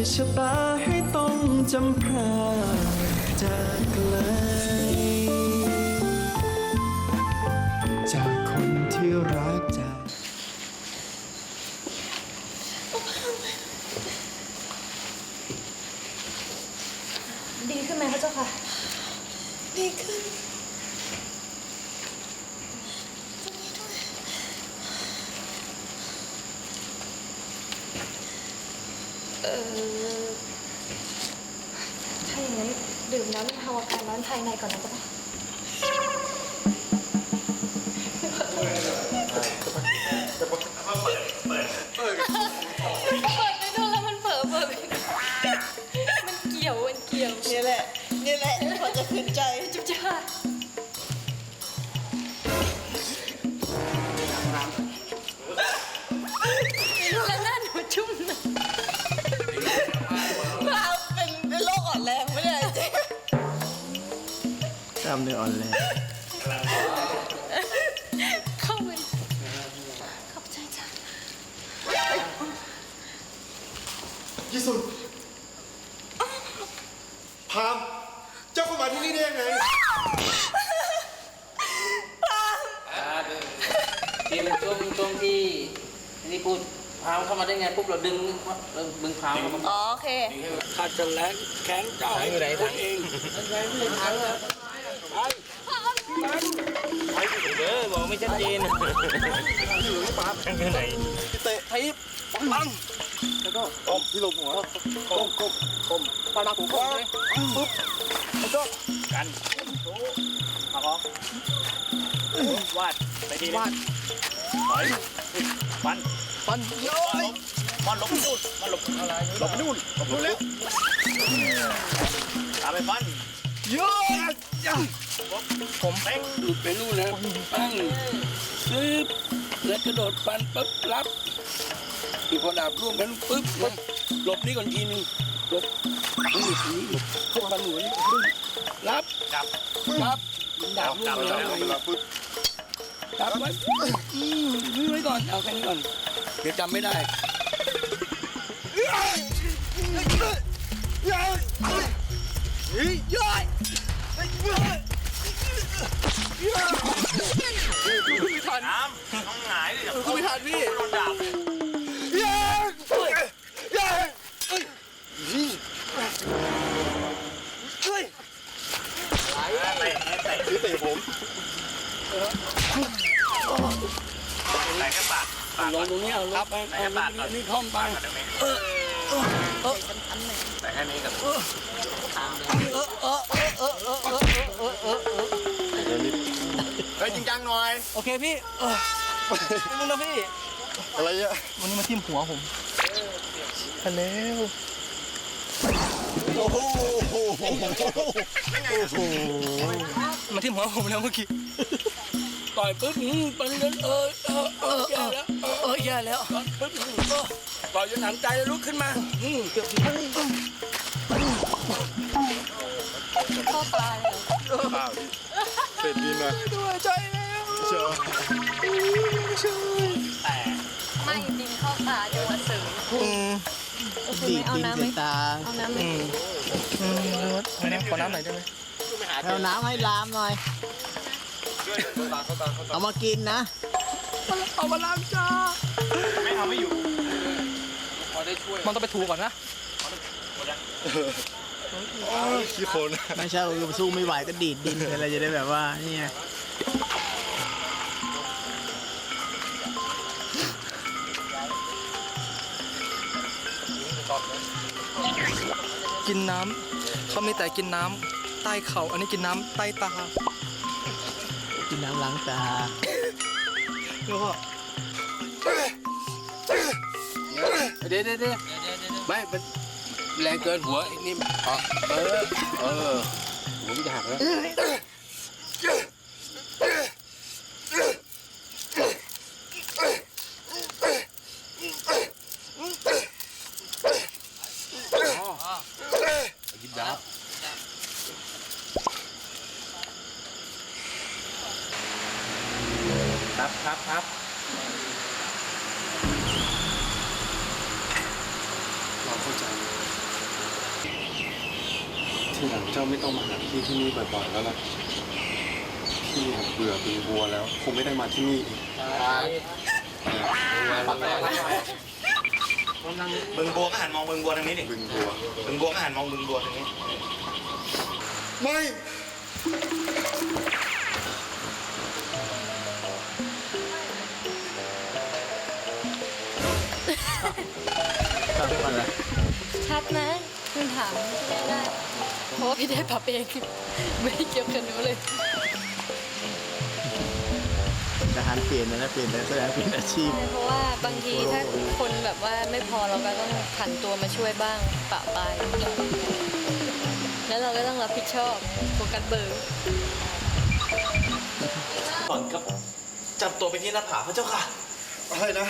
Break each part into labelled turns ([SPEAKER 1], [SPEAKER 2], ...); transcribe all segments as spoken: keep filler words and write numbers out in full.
[SPEAKER 1] ชะตาให้ต้องจำพรากจากไกลจากคนที่รักจาก
[SPEAKER 2] ดีขึ้นไหมพระเจ้าค่ะดีขึ้นตรงนี้ด้วยเออถ้าอย่างนั้นดื่มน้ำบรรเทาอาการร้อนภายในก่อนนะพระเจ้าเปิดไปดูแล้วมันเปิดเปิดมันเกี่ยวมันเกี่ยวนี่แหละนี่แหละพอจะขึ้นใจจุ๊บจ้าแล้วหน้าหนูชุ่มนะเราเป็นโรคอ่อนแรงไม่ได้จริง
[SPEAKER 1] กล้ามเนื้ออ่อนแรง
[SPEAKER 2] เข้าไปขอบใจจ้า
[SPEAKER 3] ยี่สุนพามเจ้าเข้ามาที่นี่ได้ยังไง
[SPEAKER 4] ที่มันช่วงช่วงที่นี่พูดพามเข้ามาได้ไงปุ๊บเราดึงเราดึงพามเข้ามา
[SPEAKER 2] อ๋อโอเค
[SPEAKER 4] ข้าจะแรงแข็งเจ้าให้อยู่ไหนทางเองไม่ทางแล้วไปเด้อบอกไม่ชัดเจนอยู่ที่ปั๊บทางไหน
[SPEAKER 3] เตะทิปปังแล้วก็ก้มที่ลงหัวก้มก้มก้มปานาผมก้มเลยปุ๊บแล้วก็
[SPEAKER 4] กันมาขอวาดไปดีวาดถอยปัน
[SPEAKER 3] ปันโย้ย
[SPEAKER 4] มันหลบนู่นมันหลบอะไร
[SPEAKER 3] หลบไปนู่นหลบนู่นแล้ว
[SPEAKER 4] ตามไปปัน
[SPEAKER 3] โย้ย
[SPEAKER 4] ผมแป้งหลุดไปนู่นแล้วปั้งซึบแล้วกระโดดปันปุ๊บรับอีกพอดาบร่วมกันปุ๊บนะหลบนี่ก่อนทีนึงหลบนี่ทีนี้หลบเข้าปันหัวนี่รับจับรับดาบร่วมกันแล้วปุ๊บจับไว้อืมนี่ไว้ก่อนเอาแค่นี้ก่อนเดี๋ยวจำไม่ได้
[SPEAKER 3] ย้อยย้อย
[SPEAKER 4] ไม่ทันน้ำน้องหงายเลย
[SPEAKER 3] กูไม่ทันพี่
[SPEAKER 4] โดนดาบ
[SPEAKER 3] ย้อยย้อยเฮ้ยเฮ้ย
[SPEAKER 4] เตะเตะ
[SPEAKER 3] เตะผม
[SPEAKER 4] แตะแค่ปากลงตรงนี้เอาลงไปแค่ปากนี่ท่อมไปเออเออเออแต่แค่นี้กับเออเออเออเออเออเออเออเออเออเออ
[SPEAKER 3] เฮ้ยจริงจังหน่อย
[SPEAKER 4] โอเคพี่เออมึงนะพี่
[SPEAKER 3] อะไรอ่ะ
[SPEAKER 4] วันนี้มาทิ่มหัวผม
[SPEAKER 3] ฮัลโหลโอ้โหโอ้โห
[SPEAKER 4] มาทิ่มหัวผมแล้วเมื่อกี้ต่อยปึ๊บปันเดินเออเออเออแย่แล้วเออแย่แล้วปึ๊บต่อยจนหนำใจแล้วลุกขึ้นมาเกือบ
[SPEAKER 2] เข้าตาเลย
[SPEAKER 3] เปล่าเสร็จดีนะ
[SPEAKER 4] ด้วยใจแล้ว
[SPEAKER 3] เชียว
[SPEAKER 4] แต่
[SPEAKER 2] ไม่ดินเข้าตาจังหวะเสริม
[SPEAKER 1] ดีดดินใส่ตา
[SPEAKER 2] เอาน้ำไหม
[SPEAKER 4] ไม่ได้ขอน้ำหน่อยได้ไหม
[SPEAKER 1] เอาน้ำให้ลามหน่อยเอามากินนะ
[SPEAKER 4] เอามาล้างจานไม่เอาไม่อยู่พอได้ช่วยมันต้องไปถูก่อนนะ
[SPEAKER 3] ขี้โคลน
[SPEAKER 1] ไม่ใช่คือสู้ไม่ไหวก็ดีดดินอะไรจะได้แบบว่านี่ไง
[SPEAKER 5] กินน้ำเขามีแต่กินน้ำใต้เข่าอันนี้กินน้ำใต้ตา
[SPEAKER 1] กินน้ำล้างตา
[SPEAKER 4] แล้วก็เดี๋ยวเดี๋ยวเดี๋ยวไม่เป็นแรงเกินหัวนี่เออเออหัวมันจะหักแล้วยิบยับครับครับครับ
[SPEAKER 3] เราเข้าใจทีหลังเจ้าไม่ต้องมาหาพี่ที่นี่บ่อยๆแล้วล่ะพี่เบื่อบึงบัวแล้วคงไม่ได้มาที่นี่อีก
[SPEAKER 6] บึงบัวก็หันมองบึงบัวทางนี้ดิ
[SPEAKER 3] บึงบัว
[SPEAKER 6] บึงบัวก็หันมองบึงบัวทางนี้
[SPEAKER 3] ไม่
[SPEAKER 2] ชัดไหมคุณถามไม่ได้เพราะว่าพี่ได้ปรับเองไม่ได้เกี่ยวกับหนูเลย
[SPEAKER 7] ทหารเปลี่ยนนะเปลี่ยนแสดงเปลี่ยนอาชีพ
[SPEAKER 2] ใช่เพราะว่าบางทีถ้าคนแบบว่าไม่พอเราก็ต้องผันตัวมาช่วยบ้างปะปายแล้วเราก็ต้องรับผิดชอบโฟกัสเบอร์
[SPEAKER 6] ก่อนกับจับตัวไปที่หน้าผาพระเจ้าค่ะ
[SPEAKER 3] อะไรนะ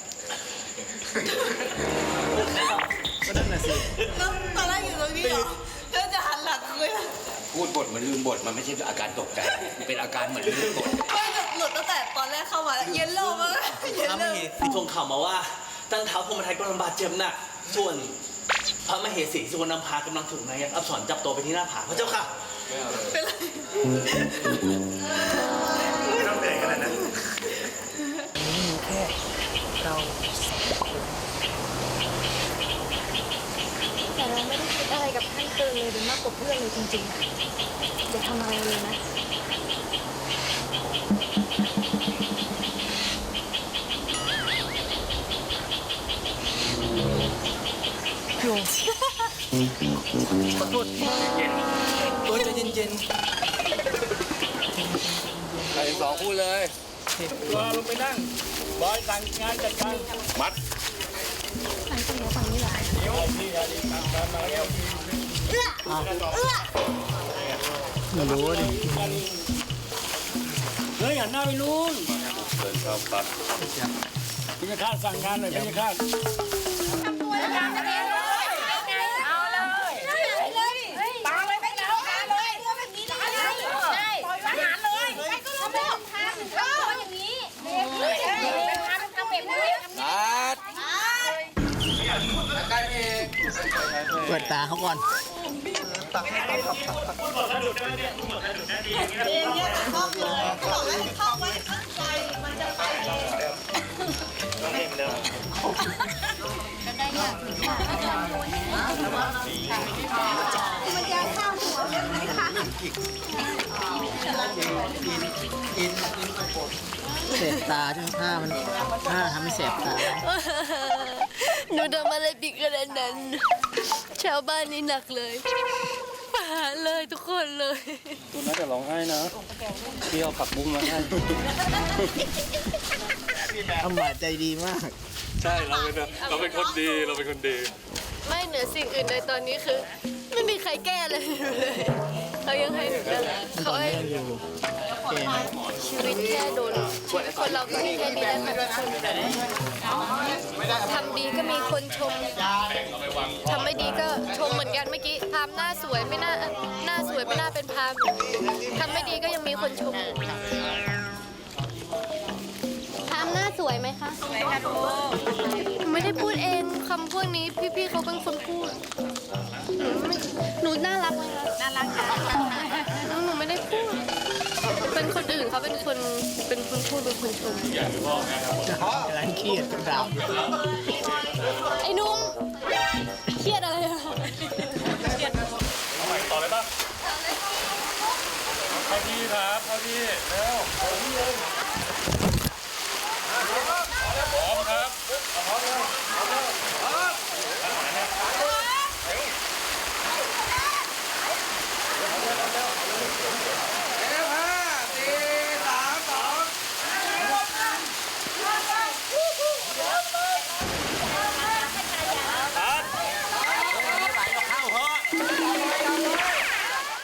[SPEAKER 7] ก็นั่นน่ะสิ
[SPEAKER 2] แล้วตอนแรกอยู่ตรงนี้เหรอแล้วจะหันหลังคุย
[SPEAKER 4] พูดบทเหมือนลืมบทมันไม่ใช่อาการตกใจมันเป็นอาการเหมือนลืมบท
[SPEAKER 2] ไม่หลุดตั้งแต่ตอนแรกเข้ามาแล้วเย็นโลมากเย็น
[SPEAKER 6] พระ
[SPEAKER 2] โล
[SPEAKER 6] มเหสีทรงข่าวมาว่าตั้งเท้าพรหมทัยกำลังบาดเจ็บหนักส่วนพระมเหสีสุวรรณภากำลังถูกนายอับสรจับตัวไปที่หน้าผาพระเจ้าค่ะ
[SPEAKER 2] เป็นไร
[SPEAKER 6] ไม่ต้องเปลี่ยนกันนะ
[SPEAKER 2] แต่เราไม่ได้คิดอะไรกับท่านเกินเลยหรือมากกว่าเพื่อนเลยจริงๆอย่าทำอะไรเลยนะ
[SPEAKER 5] ขอโทษเออใจเย็น
[SPEAKER 4] ใครสองพูดเลยรอลงไปนั่งบอยสั่งงานจัดการมัด
[SPEAKER 7] ไม่รู้ดิ
[SPEAKER 4] เฮ้ยหันหน้าไปนู้น
[SPEAKER 3] เดินเข้าปัด
[SPEAKER 4] พี่จะคาดสั่งงานหน่อยพี่จะคาด
[SPEAKER 7] เปิดตาเขาก่อน เสพตาใช่ไหมผ้ามันผ้าทำให้เสพตา
[SPEAKER 2] หนูทำอะไรผิดขนาดนั้น ชาวบ้านนี่หนักเลยประหารเลยทุกคนเลย
[SPEAKER 3] ตัวน่าจะร้องไห้นะพี่เอาผักบุ้งมาให้
[SPEAKER 7] อำมาตย์ใจดีมาก
[SPEAKER 3] ใช่เราเป็นเราเป็นคนดีเราเป็นคนดี
[SPEAKER 2] ไม่เหนือสิ่งอื่นใดตอนนี้คือ ไม่มีใครแก้เลยเลยเขายังให้หนูตลอดเขาให้
[SPEAKER 7] อยู่โอเคนะ
[SPEAKER 2] ชีวิตแค่โดนชีวิตคนเราก็มีแค่นี้แหละค่ะทุกคนทำดีก็มีคนชมทำไม่ดีก็ชมเหมือนกันเมื่อกี้พามหน้าสวยไม่น่าหน้าสวยไม่น่าเป็นพามทำไม่ดีก็ยังมีคนชมพามหน้าสวยไหมคะสวยค่ะลูกไม่ได้พูดเองคำพวกนี้พี่ๆเขาเป็นคนพูดหนูไม่หนูน่ารักไหมคะน่ารักค่ะหนูไม่ได้พูดเป็นคนอื่นเขาเป็นคนเป็นคนพูดเป็นคนชม
[SPEAKER 7] กำลังเครียดกับดาว
[SPEAKER 2] ไอ้นุ่มเครียดอะไรอะ
[SPEAKER 3] ต่อเลยป่ะเข้าที่ครับเข้าที่เร็ว